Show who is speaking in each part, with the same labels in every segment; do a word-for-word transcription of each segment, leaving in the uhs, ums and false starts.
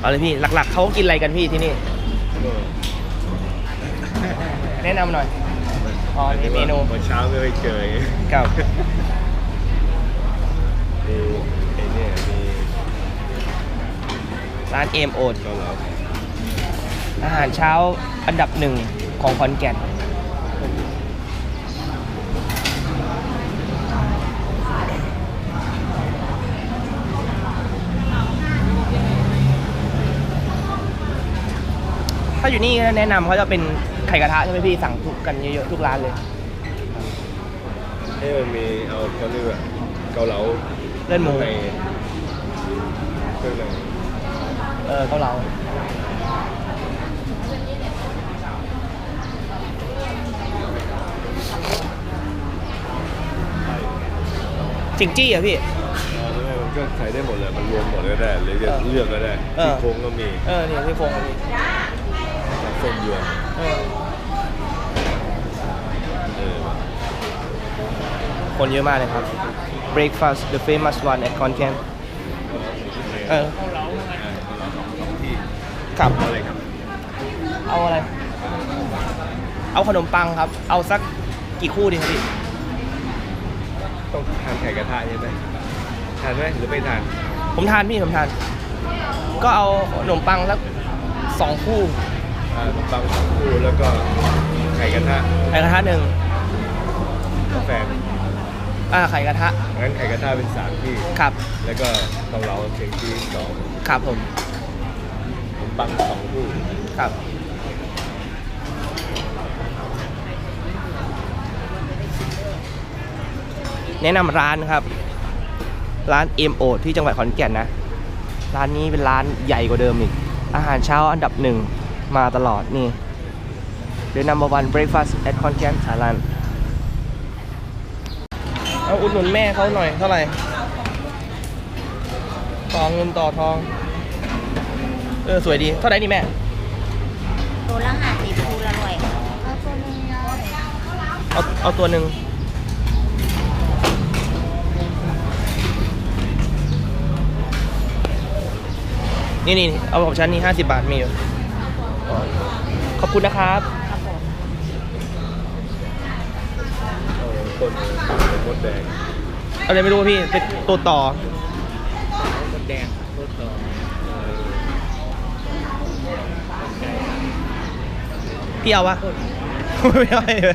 Speaker 1: เอาเลยพี่หลักๆเขากินอะไรกันพี่ที่นี่แนะนำหน่อยอ๋อนี่เมนู
Speaker 2: วันเช้าไม่เคยเจอ
Speaker 1: ครับ
Speaker 2: มีไอ้เนี่ยมี
Speaker 1: ร้านเอมโอ๊ต
Speaker 2: ก็แล้ว
Speaker 1: อาหารเช้าอันดับหนึ่งของขอนแก่นถ้าอยู่นี่แนะนำเขาจะเป็นไข่กระทะใช่ไหมพี่สั่งทุกกันเยอะๆทุกร้านเลย
Speaker 2: ให้มันมีเอาเขาเรียกว่าเกาเหลา
Speaker 1: เลื่อนหมู
Speaker 2: ในเครื่องใน
Speaker 1: เออเกาเหลาจิงจี้อ่ะพี่
Speaker 2: มันก็ใส่ได้หมดเลยมันรวมหมดก็ได้หรือจะเลือกก็ได้ที่โค้งก็มี
Speaker 1: เออเนี่ยที่โค้งก็มี
Speaker 2: ส้มยวน
Speaker 1: เออคนเยอะมากเลยครับ breakfast the famous one at Khon Kaen เออครับ
Speaker 2: อะไรครับ
Speaker 1: เอาอะไรเอาขนมปังครับเอาสักกี่คู่ดีครับพี่
Speaker 2: ต้องทานไข่กระทะใช่ไหมทานไหมหรือไม่ทาน
Speaker 1: ผมทานพี่ผมทานก็เอาขนมปังสักสองคู่
Speaker 2: ขนมปังสองคู่แล้วก็ไข่กระทะ
Speaker 1: ไข่กระทะหนึ่ง
Speaker 2: กาแฟ
Speaker 1: อ่าไข่กระทะ
Speaker 2: งั้นไข่กระทะเป็นสามที่
Speaker 1: ครับ
Speaker 2: แล้วก็เกาเหลาเชียงที่สอง
Speaker 1: ครับผม
Speaker 2: ขนมปังสองคู่
Speaker 1: ครับแนะนำร้านครับร้านเอ็มโอ๊ตที่จังหวัดขอนแก่นนะร้านนี้เป็นร้านใหญ่กว่าเดิมอีกอาหารเช้าอันดับหนึ่งมาตลอดนี่ The number one breakfast at Khon Kaen Thailand เอาอุดหนุนแม่เขาหน่อยเท่าไหร่ต่อเงินต่อทองเออสวยดีเท่าไหร่นี่แม่
Speaker 3: ตัวละห้าสิบคู่ละร้อยเอาตัวนึง
Speaker 1: เอาเอาตัวหนึ่งนี่นี่เอาของฉันนี่ห้าสิบบาทมีอยู่ขอบคุณนะครับ
Speaker 2: ต้นมดแดง
Speaker 1: อะไรไม่รู้พี่เป็นตัวต่อ
Speaker 2: มดแดงตัวต่อ
Speaker 1: พี่เอาวะไม่เอาเลย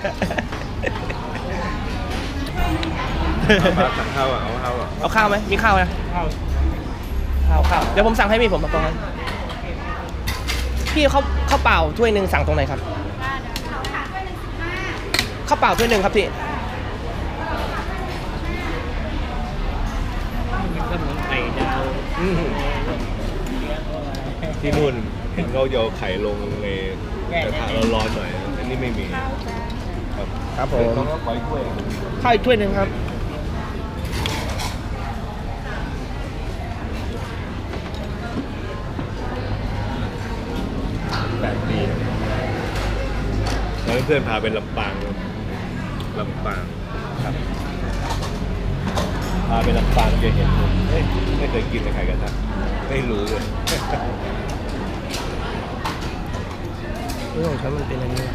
Speaker 2: มาสั่งข้าวอ่ะเอาข้าวอ่ะ
Speaker 1: เอาข้าวไหมมีข้าวนะข้าวข้าวข้าวเดี๋ยวผมสั่งให้พี่ผมตรงนั้นพี่เขาข้าวเปล่าถ้วยหนึ่งสั่งตรงไหนครับข้าวเปล่าถ้วยหนึ่งครับพี่
Speaker 2: ก็เหมือนไข่ดาวที่นู่นเห็นเขาโยนไข่ลงในกระทะร้อนๆหน่อยอันนี้ไม่มีครับ
Speaker 1: ครับผม
Speaker 2: ต้องขออีกถ้วย
Speaker 1: ข้าวอีกถ้วยหนึ่งครับ
Speaker 2: แปลกดีแล้วเพื่อนพาไปลำปางลำปางครับพาไปลำปางจะเห็นผมไม่เคยกินไข่กระทะไม่รู้เลย
Speaker 1: เรื่องของฉันมันเป็นอะไรนี่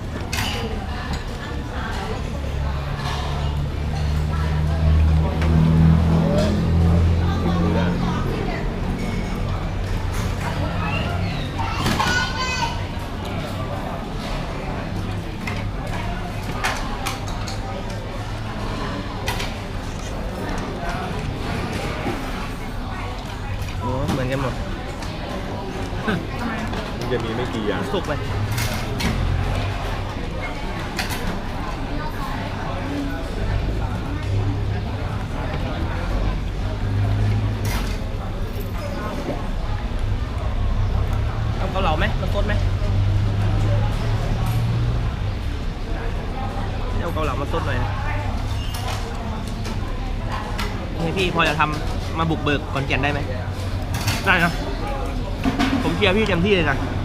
Speaker 1: เหมือนกันหมด
Speaker 2: มันจะมีไม่กี่อย่าง
Speaker 1: สุกเลยเอาเกาเหลาไหมน้ำซดไหมเอาเกาเหลามาซดหน่อยให้พี่พอจะทำมาบุกเบิกขอนแก่นได้ไหมได้นะผมเชียร์พี่เต็มที่เลยนะ